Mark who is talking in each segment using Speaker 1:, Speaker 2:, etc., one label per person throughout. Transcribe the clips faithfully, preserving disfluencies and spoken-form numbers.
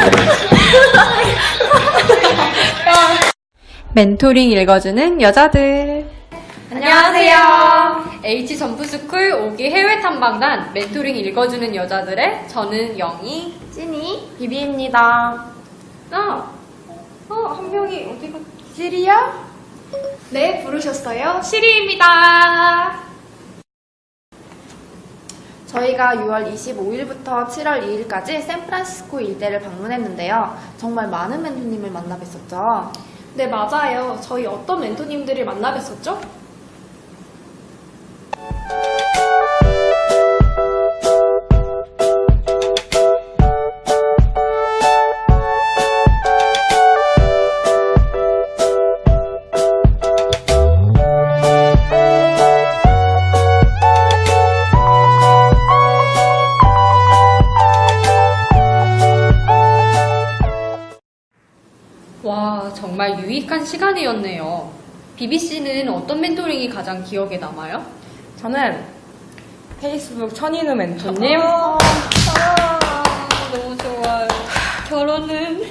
Speaker 1: 멘토링 읽어주는 여자들.
Speaker 2: 안녕하세요. H 점프스쿨 오 기 해외 탐방단 멘토링 읽어주는 여자들의 저는 영희,
Speaker 3: 찐이, 비비입니다.
Speaker 2: 아, 어, 한 명이 어디 갔지?
Speaker 3: 시리야?
Speaker 2: 네, 부르셨어요? 시리입니다.
Speaker 3: 저희가 유월 이십오일부터 칠월 이일까지 샌프란시스코 일대를 방문했는데요. 정말 많은 멘토님을 만나 뵀었죠.
Speaker 4: 네, 맞아요. 저희 어떤 멘토님들을 만나 뵀었죠?
Speaker 2: 와, 정말 유익한 시간이었네요. 비비씨는 어떤 멘토링이 가장 기억에 남아요?
Speaker 5: 저는 페이스북 천인우 멘토님,
Speaker 2: 아, 너무 좋아요. 결혼은?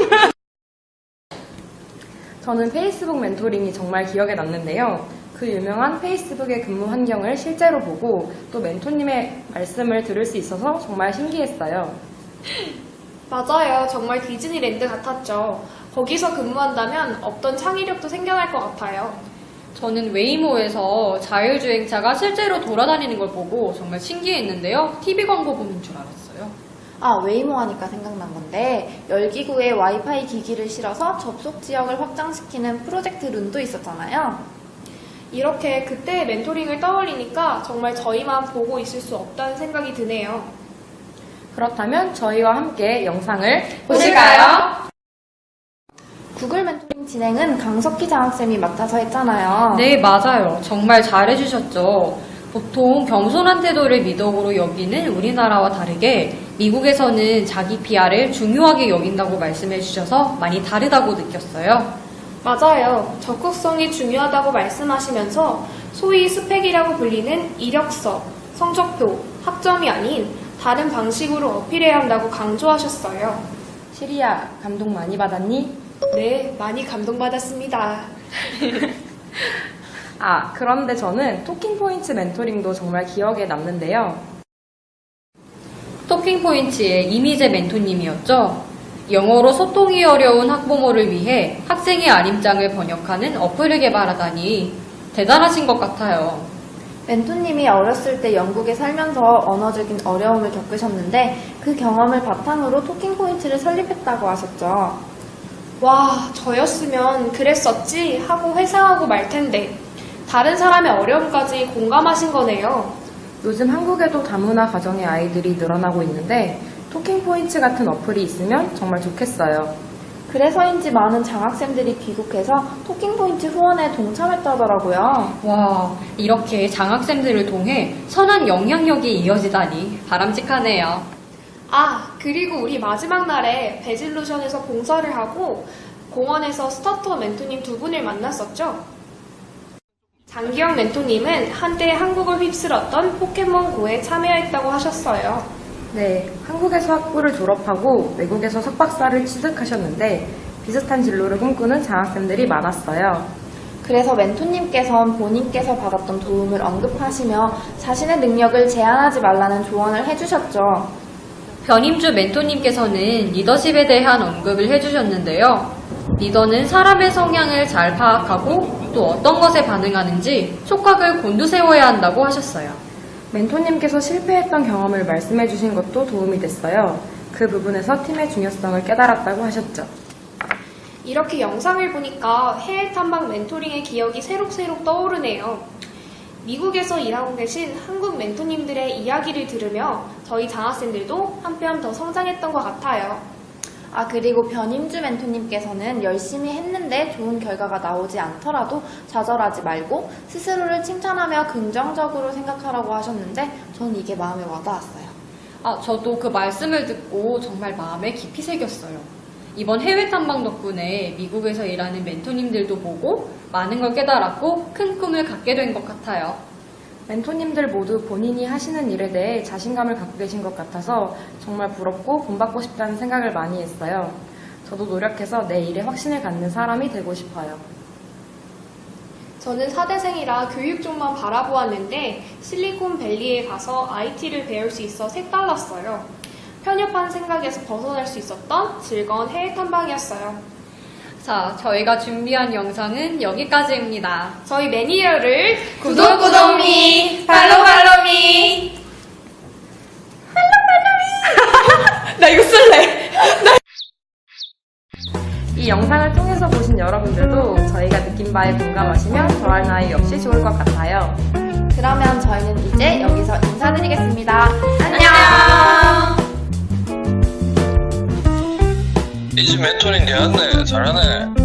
Speaker 5: 저는 페이스북 멘토링이 정말 기억에 남는데요. 그 유명한 페이스북의 근무 환경을 실제로 보고 또 멘토님의 말씀을 들을 수 있어서 정말 신기했어요.
Speaker 4: 맞아요. 정말 디즈니랜드 같았죠. 거기서 근무한다면 없던 창의력도 생겨날 것 같아요.
Speaker 2: 저는 웨이모에서 자율주행차가 실제로 돌아다니는 걸 보고 정말 신기했는데요. 티비 광고 보는 줄 알았어요.
Speaker 3: 아, 웨이모 하니까 생각난 건데 열기구에 와이파이 기기를 실어서 접속 지역을 확장시키는 프로젝트 룬도 있었잖아요.
Speaker 4: 이렇게 그때의 멘토링을 떠올리니까 정말 저희만 보고 있을 수 없다는 생각이 드네요.
Speaker 5: 그렇다면 저희와 함께 영상을
Speaker 2: 보실까요?
Speaker 3: 구글 멘토링 진행은 강석희 장학쌤이 맡아서 했잖아요.
Speaker 2: 네, 맞아요. 정말 잘해주셨죠. 보통 겸손한 태도를 미덕으로 여기는 우리나라와 다르게 미국에서는 자기 피아르을 중요하게 여긴다고 말씀해주셔서 많이 다르다고 느꼈어요.
Speaker 4: 맞아요. 적극성이 중요하다고 말씀하시면서 소위 스펙이라고 불리는 이력서, 성적표, 학점이 아닌 다른 방식으로 어필해야 한다고 강조하셨어요.
Speaker 5: 시리야, 감동 많이 받았니?
Speaker 4: 네, 많이 감동받았습니다.
Speaker 5: 아, 그런데 저는 토킹포인트 멘토링도 정말 기억에 남는데요.
Speaker 2: 토킹포인트의 이미재 멘토님이었죠. 영어로 소통이 어려운 학부모를 위해 학생의 알림장을 번역하는 어플을 개발하다니 대단하신 것 같아요.
Speaker 3: 멘토님이 어렸을 때 영국에 살면서 언어적인 어려움을 겪으셨는데 그 경험을 바탕으로 토킹 포인트를 설립했다고 하셨죠.
Speaker 4: 와, 저였으면 그랬었지 하고 회상하고 말 텐데 다른 사람의 어려움까지 공감하신 거네요.
Speaker 5: 요즘 한국에도 다문화 가정의 아이들이 늘어나고 있는데 토킹 포인트 같은 어플이 있으면 정말 좋겠어요.
Speaker 3: 그래서인지 많은 장학생들이 귀국해서 토킹 포인트 후원에 동참했다더라고요.
Speaker 2: 와, 이렇게 장학생들을 통해 선한 영향력이 이어지다니 바람직하네요.
Speaker 4: 아, 그리고 우리 마지막 날에 베질로션에서 봉사를 하고 공원에서 스타터 멘토님 두 분을 만났었죠? 장기영 멘토님은 한때 한국을 휩쓸었던 포켓몬고에 참여했다고 하셨어요.
Speaker 5: 네, 한국에서 학부를 졸업하고 외국에서 석박사를 취득하셨는데 비슷한 진로를 꿈꾸는 장학생들이 많았어요.
Speaker 3: 그래서 멘토님께선 본인께서 받았던 도움을 언급하시며 자신의 능력을 제한하지 말라는 조언을 해주셨죠.
Speaker 2: 변임주 멘토님께서는 리더십에 대한 언급을 해주셨는데요. 리더는 사람의 성향을 잘 파악하고 또 어떤 것에 반응하는지 촉각을 곤두세워야 한다고 하셨어요.
Speaker 5: 멘토님께서 실패했던 경험을 말씀해 주신 것도 도움이 됐어요. 그 부분에서 팀의 중요성을 깨달았다고 하셨죠.
Speaker 4: 이렇게 영상을 보니까 해외 탐방 멘토링의 기억이 새록새록 떠오르네요. 미국에서 일하고 계신 한국 멘토님들의 이야기를 들으며 저희 장학생들도 한뼘 더 성장했던 것 같아요.
Speaker 3: 아, 그리고 변임주 멘토님께서는 열심히 했는데 좋은 결과가 나오지 않더라도 좌절하지 말고 스스로를 칭찬하며 긍정적으로 생각하라고 하셨는데 저는 이게 마음에 와닿았어요.
Speaker 2: 아, 저도 그 말씀을 듣고 정말 마음에 깊이 새겼어요. 이번 해외 탐방 덕분에 미국에서 일하는 멘토님들도 보고 많은 걸 깨달았고 큰 꿈을 갖게 된 것 같아요.
Speaker 5: 멘토님들 모두 본인이 하시는 일에 대해 자신감을 갖고 계신 것 같아서 정말 부럽고 본받고 싶다는 생각을 많이 했어요. 저도 노력해서 내 일에 확신을 갖는 사람이 되고 싶어요.
Speaker 4: 저는 사대생이라 교육 쪽만 바라보았는데 실리콘밸리에 가서 아이티를 배울 수 있어 색달랐어요. 편협한 생각에서 벗어날 수 있었던 즐거운 해외 탐방이었어요.
Speaker 2: 자, 저희가 준비한 영상은 여기까지입니다.
Speaker 4: 저희 매니저를
Speaker 3: 구독, 구독미, 팔로우, 팔로우미.
Speaker 2: 나 이거 쓸래!
Speaker 5: 이 영상을 통해서 보신 여러분들도 저희가 느낀 바에 공감하시면 더할 나위 없이 좋을 것 같아요.
Speaker 3: 그러면 저희는 이제 여기서 인사드리겠습니다. 안녕!
Speaker 6: 이 집 멘토링 개왔네. 잘하네.